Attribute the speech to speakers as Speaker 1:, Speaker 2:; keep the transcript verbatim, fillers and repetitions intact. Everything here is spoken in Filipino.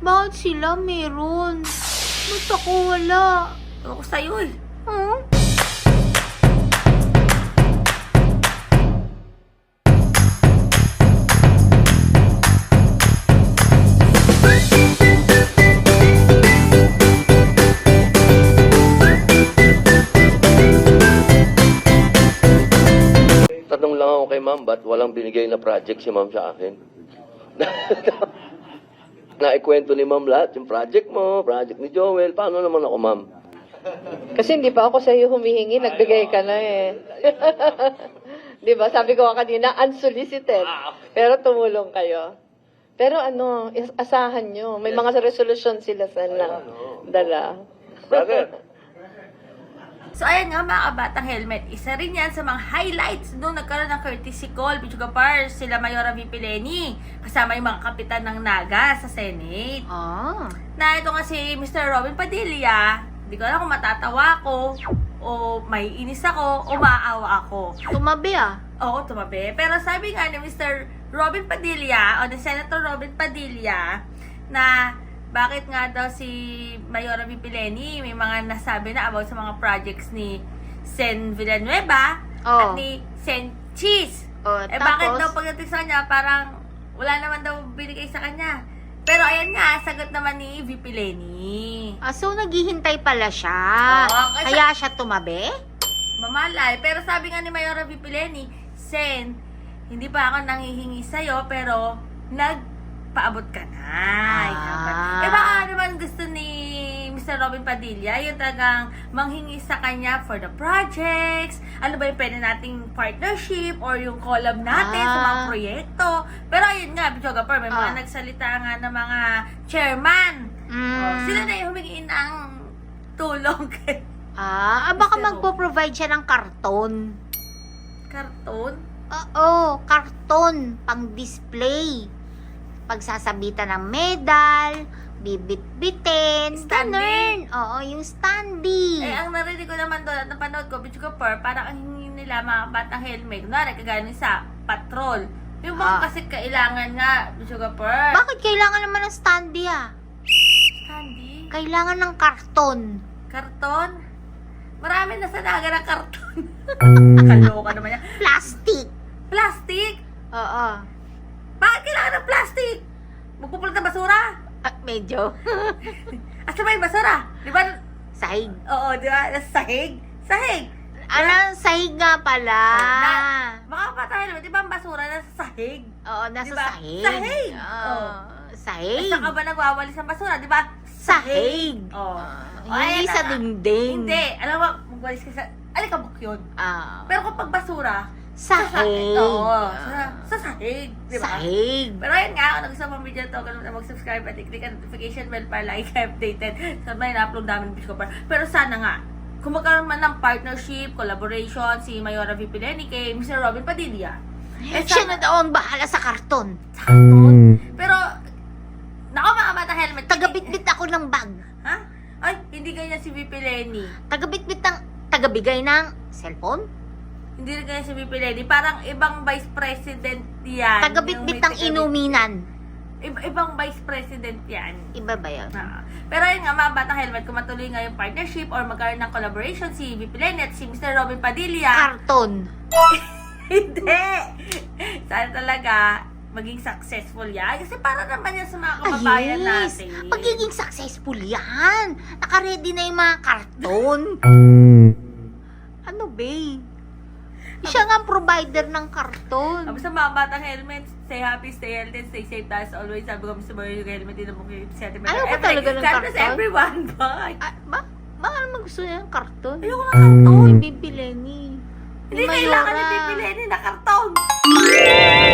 Speaker 1: Bakit sila meron? Ba't ako wala?
Speaker 2: Ewan ko sa'yo eh.
Speaker 1: Huh?
Speaker 3: Tanong lang ako kay ma'am, ba't walang binigay na project si ma'am sa akin? Naikwento ni ma'am lahat, yung project mo, project ni Joel, paano naman ako ma'am?
Speaker 4: Kasi hindi pa ako sa iyo humihingi, nagbigay ka na eh. Di ba? Sabi ko nga kanina, unsolicited. Pero tumulong kayo. Pero ano, is- asahan nyo. May mga resolution sila sa na dala.
Speaker 3: Bakit?
Speaker 2: So, ayan nga mga kabatang helmet. Isa rin yan sa mga highlights nung nagkaroon ng courtesy call, Bichuga Pars, sila Mayora V. Pileni, kasama yung mga kapitan ng Naga sa Senate.
Speaker 1: Ah.
Speaker 2: Na ito nga si Mister Robin Padilla, hindi ko alam kung matatawa ako, o may inis ako, o maawa ako.
Speaker 1: Tumabi ah.
Speaker 2: Oo, tumabi. Pero sabi nga ni Mister Robin Padilla, o ni Senator Robin Padilla, na bakit nga daw si Mayora V. Pileni may mga nasabi na about sa mga projects ni Sen Villanueva
Speaker 1: Oh.
Speaker 2: at ni Sen Cheese.
Speaker 1: Oh,
Speaker 2: Eh bakit
Speaker 1: tapos?
Speaker 2: daw pagdating sa kanya, parang wala naman daw binigay sa kanya. Pero ayan nga, sagot naman ni V. Pileni.
Speaker 1: Ah, so naghihintay pala siya.
Speaker 2: Oo, kasi-
Speaker 1: Kaya siya tumabi?
Speaker 2: Mamalay. Pero sabi nga ni Mayora V. Pileni, Sen, hindi pa ako nanghihingi sa'yo, pero nagpaabot ka na.
Speaker 1: Ah.
Speaker 2: Eh baka naman gusto ni Mister Robin Padilla, yung talagang manghingi sa kanya for the projects, ano ba yung pwede nating partnership or yung collab natin sa mga
Speaker 1: Ah.
Speaker 2: proyekto. Pero ayun nga, Bichoga Per, may mga
Speaker 1: Ah.
Speaker 2: nagsalita nga ng mga chairman.
Speaker 1: Mm.
Speaker 2: Oh, sila na yung humingi ng tulong kay
Speaker 1: Ah, ah baka
Speaker 2: Mister
Speaker 1: magpo-provide siya ng karton.
Speaker 2: Karton.
Speaker 1: Oo, karton pang display. Pagsasabitan ng medal, bibit-bitin,
Speaker 2: Standee.
Speaker 1: ganun. Oo, yung standee.
Speaker 2: Eh, ang narinig ko naman doon at napanood ko, Bitch Per, parang ang hingi nila mga batang helmet. Kunwari, kagaling sa patrol. Yung mga
Speaker 1: Ah.
Speaker 2: kasi kailangan nga, Bitch Per.
Speaker 1: Bakit kailangan naman ng standee ah?
Speaker 2: Candy?
Speaker 1: Kailangan ng karton.
Speaker 2: Karton? Marami na sa naga ng karton. Kaloka naman yan.
Speaker 1: Plastic.
Speaker 2: Plastic?
Speaker 1: Oo.
Speaker 2: Bakit kailangan ng plastic? Magpupulot ng basura?
Speaker 1: Ah, medyo.
Speaker 2: Asa ba yung basura? Di ba?
Speaker 1: Sahig.
Speaker 2: Oo, di ba? Nasa sahig? Sahig!
Speaker 1: Ano, sahig nga pala.
Speaker 2: Na- Baka pa tayo, di ba ang basura nasa sahig?
Speaker 1: Oo, nasa
Speaker 2: Diba?
Speaker 1: sahig.
Speaker 2: Sahig.
Speaker 1: Oo.
Speaker 2: Oh.
Speaker 1: Sahig.
Speaker 2: Saan ka ba nagwawalis ng basura? Di ba?
Speaker 1: Sahig.
Speaker 2: Oh.
Speaker 1: Ah, hindi sa dingding.
Speaker 2: Hindi. Alam mo, magwalis ka sa... Alikabok yun.
Speaker 1: Ah,
Speaker 2: Pero kapag basura,
Speaker 1: sahig.
Speaker 2: Oo. Sa,
Speaker 1: Ah.
Speaker 2: sa sahig. Di ba?
Speaker 1: Sahig.
Speaker 2: Pero ayun nga, kung nagustuhan mo ang video to, kung na mag-subscribe at i-click ang notification bell para like updated sa mga na-upload namin ng Bicho Per. Pero sana nga, kung magkaroon man ng partnership, collaboration, si Mayora V. Pileni kay Mister Robin Padilla. Eh,
Speaker 1: Siya
Speaker 2: sana-
Speaker 1: na daw ang bahala sa karton.
Speaker 2: Karton. Pero, nako mga bata helmet.
Speaker 1: Tagabitbit ako ng bag.
Speaker 2: Ha? Ay, hindi ganyan si V P Lenny.
Speaker 1: Tagabitbit ng, tagabigay ng cellphone.
Speaker 2: Hindi rin ganyan si V P Lenny. Parang ibang vice president yan.
Speaker 1: Tagabitbit
Speaker 2: Yung
Speaker 1: ng
Speaker 2: may
Speaker 1: inuminan.
Speaker 2: Iba, ibang vice president yan.
Speaker 1: Iba ba yun?
Speaker 2: Ah. Pero yun nga, mga batang helmet, kung matuloy nga yung partnership or magkaroon ng collaboration si V P Lenny at si Mister Robin Padilla.
Speaker 1: Karton.
Speaker 2: Hindi! Sana talaga maging successful yan. Kasi para naman yan sa mga kababayan
Speaker 1: Ah, yes.
Speaker 2: natin.
Speaker 1: Magiging successful yan. Naka-ready na yung mga karton. Ano ba? Siya nga ang provider ng karton.
Speaker 2: Tapos sa mga batang helmet, stay happy, stay healthy, stay safe tayo as always. Sabi ko, Mister Boy, yung helmet din mo kayo sentiment.
Speaker 1: Ayaw ko talaga ng
Speaker 2: God bless
Speaker 1: karton.
Speaker 2: everyone. Bye!
Speaker 1: Ah, ba? Baka naman gusto niya ng karton.
Speaker 2: Ayoko ng karton.
Speaker 1: Ni Bibi Lenny.
Speaker 2: Hindi
Speaker 1: Ni
Speaker 2: kailangan ni
Speaker 1: Mayora.
Speaker 2: Pipi Lenny na karton.